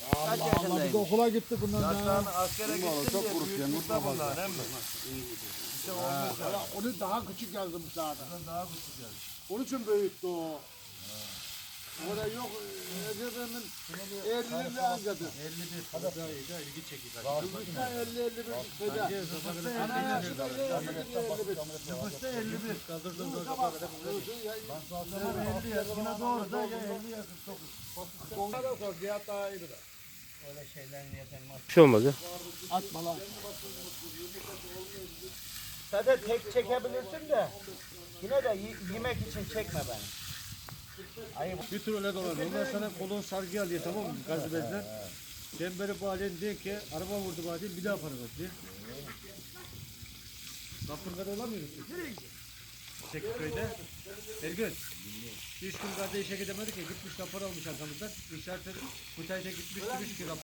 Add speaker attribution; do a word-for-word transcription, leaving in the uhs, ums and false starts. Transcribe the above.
Speaker 1: Kaç
Speaker 2: Allah biz
Speaker 1: yaşındaymış?
Speaker 2: okula gittik bundan
Speaker 3: Yaşlarını
Speaker 2: daha.
Speaker 3: askere gittin
Speaker 4: çok
Speaker 3: diye
Speaker 4: kurut yani,
Speaker 3: büyütmüşler
Speaker 4: mutlu
Speaker 3: bunlar değil mi? İşte olmuş ya.
Speaker 2: Ya onu daha küçük yazdım zaten.
Speaker 3: Daha küçük yani.
Speaker 2: Onun için büyüttü o. O da yok. Ezebemin elli ancadır.
Speaker 3: elli bir. Hadi daha iyi de ilgi çekiyor.
Speaker 2: elli elli bir şeyde. Ana yaşında
Speaker 3: Nüfusta elli bir. Kaldırdığım zaman elli yaşına doğru da ya elli ya kırk dokuz.
Speaker 2: Onlara sor. Cihat daha iyi bilir.
Speaker 1: Öyle şeylerini yapamaz.
Speaker 5: Bir şey olmaz ya.
Speaker 2: Atma lan.
Speaker 1: Zaten tek çekebilirsin de yine de y- yemek için çekme beni. Ayıp.
Speaker 3: Bir tur öyle dolanıyor. Ondan sonra kolun sargı alıyor tamam mı? Gazı bezler. Çemberi bağlayın diye ki araba vurdu bağlayın bir daha para ver diye. Kapırgada olamıyoruz. Tekitköy'de. Ergün. Üç gün kardeşe işe gidemedik ya gitmiş rapor almış arkamızdan. İnşaatı Kutay'da gitmiş demiş ki